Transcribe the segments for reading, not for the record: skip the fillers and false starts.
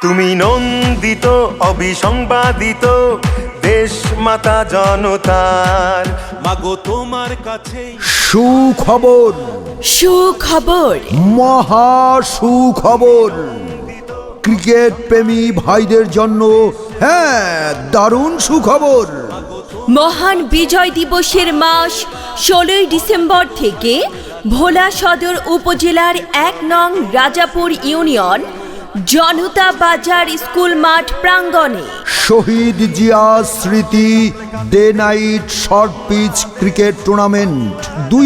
তুমি নন্দিত অবিসংবাদিত দেশ মাতা জনতার, মাগো তোমার কাছে সুখবর, সুখবর, মহা সুখবর ক্রিকেট প্রেমী ভাইদের জন্য। হ্যাঁ, দারুণ সুখবর। মহান বিজয় দিবসের মাস 16ই ডিসেম্বর থেকে ভোলা সদর উপজেলার 1 নং রাজাপুর ইউনিয়ন জনতা বাজার স্কুল মাঠ প্রাঙ্গণে শহীদ জিয়া স্মৃতি day night short pitch cricket tournament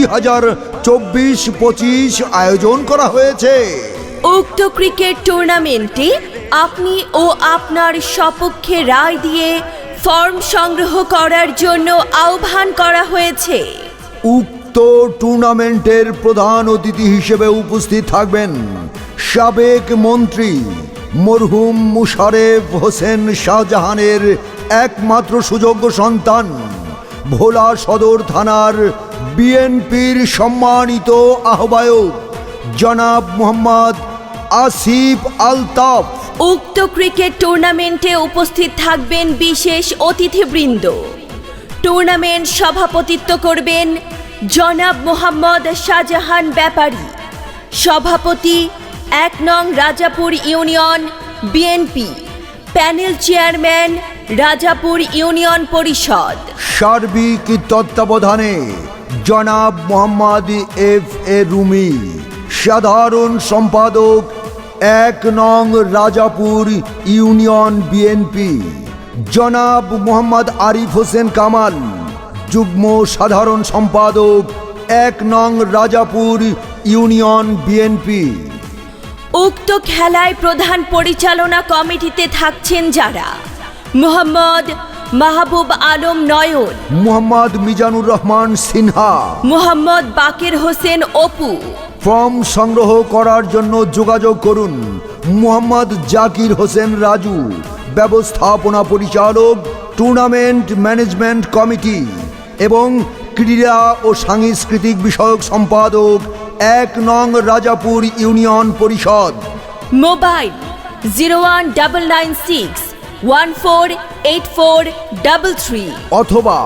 2024-25 আয়োজন করা হয়েছে। উক্ত ক্রিকেট টুর্নামেন্টে আপনি ও আপনার সপক্ষে রায় দিয়ে ফর্ম সংগ্রহ করার জন্য আহ্বান করা হয়েছে। উক্ত টুর্নামেন্টের প্রধান অতিথি হিসেবে উপস্থিত থাকবেন সাবেক মন্ত্রী মরহুম মুশারেফ হোসেন শাহজাহানের একমাত্র সুযোগ্য সন্তান, ভোলা সদর থানার বিএনপির সম্মানিত আহ্বায়ক জনাব মোহাম্মদ আসিফ আলতাফ। উক্ত ক্রিকেট টুর্নামেন্টে উপস্থিত থাকবেন বিশেষ অতিথিবৃন্দ। টুর্নামেন্ট সভাপতিত্ব করবেন জনাব মোহাম্মদ শাহজাহান ব্যাপারী, সভাপতি 1 নং Rajapur union BNP, panel chairman Rajapur union পরিষদ। সার্বিক তত্ত্বাবধানে জনাব মোহাম্মদ এফ.এ. রুমি, সাধারণ সম্পাদক 1 নং রাজাপুর ইউনিয়ন বিএনপি, জনাব মোহাম্মদ আরিফ হোসেন কামাল, যুগ্ম সাধারণ সম্পাদক 1 নং রাজাপুর ইউনিয়ন বিএনপি। উক্ত খেলায় প্রধান পরিচালনা কমিটিতে থাকছেন যারা: মোহাম্মদ মাহবুব আলম নয়ন, মোহাম্মদ মিজানুর রহমান সিনহা, মোহাম্মদ বাকের হোসেন অপু। ফর্ম সংগ্রহ করার জন্য যোগাযোগ করুন মোহাম্মদ জাকির হোসেন রাজু, ব্যবস্থাপনা পরিচালক টুর্নামেন্ট ম্যানেজমেন্ট কমিটি এবং ক্রীড়া ও সাংস্কৃতিক বিষয়ক সম্পাদক 1 নং রাজাপুর ইউনিয়ন পরিষদ। মোবাইল 01961484333 অথবা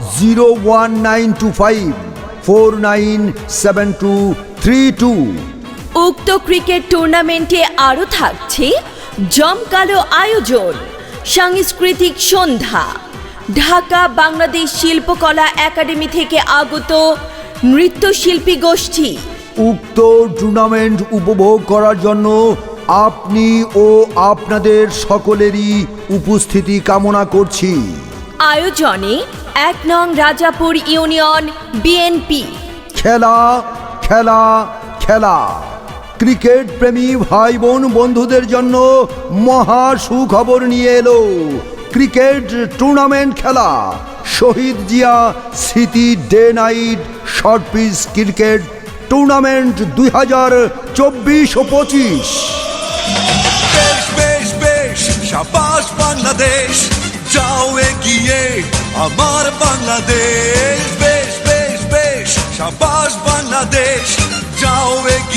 01925497232। উক্ত ক্রিকেট টুর্নামেন্টে আরও থাকছে জমকালো আয়োজন, সাংস্কৃতিক সন্ধ্যা, ঢাকা বাংলাদেশ শিল্পকলা একাডেমি থেকে আগত নৃত্যশিল্পী গোষ্ঠী। উক্ত টুর্নামেন্ট উপভোগ করার জন্য আপনি ও আপনাদের সকলেরই উপস্থিতি কামনা করছি। আয়োজনে 1 নং রাজাপুর ইউনিয়ন বিএনপি। খেলা খেলা খেলা। ক্রিকেট প্রেমী ভাই বোন বন্ধুদের জন্য মহা সুখবর নিয়ে এলো ক্রিকেট টুর্নামেন্ট খেলা শহীদ জিয়া স্মৃতি day night short pitch cricket tournament 2024-25। বেশ বেশ বেশ, শাবাশ বাংলাদেশ, যাও এগিয়ে আমার বাংলাদেশ। বেশ বেশ বেশ, শাবাশ বাংলাদেশ, যাও এগিয়ে।